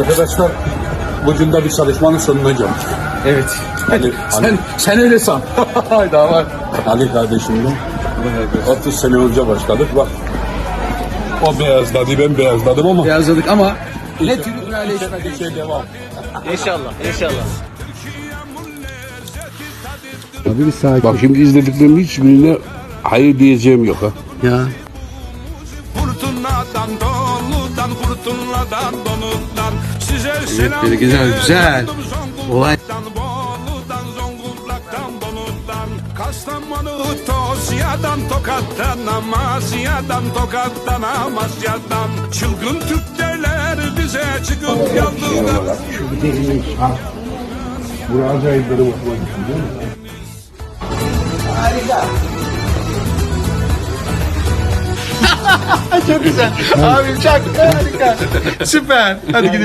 Arkadaşlar bugün de bir çalışmanın sonuna geldik. Evet. Ali, Sen öyle san. Daha var. Ali kardeşimle 30 sene önce başladık. Bak o beyazladı, ben beyazladım ama Beyazladık ama ne türlü üreleşmedi. bir şey devam. İnşallah, inşallah. Abi bir sakin. Bak şimdi izlediklerimin hiçbirine hayır diyeceğim yok ha. Ya. Fırtınadan, doludan, fırtınadan, donudan size selam. böyle güzel, güzel. Olay. Bolu'dan, Zonguldak'tan, Donu'dan, Kastamonu, Tosya'dan, Tokat'tan, Amasya'dan, Tokat'tan, Amasya'dan çılgın Türkler bize çıkıp yaldılar. Şu deliğin şart. Buraya acayipleri okumak için değil mi? Çok güzel. Abi çok harika. Süper. Hadi gidelim.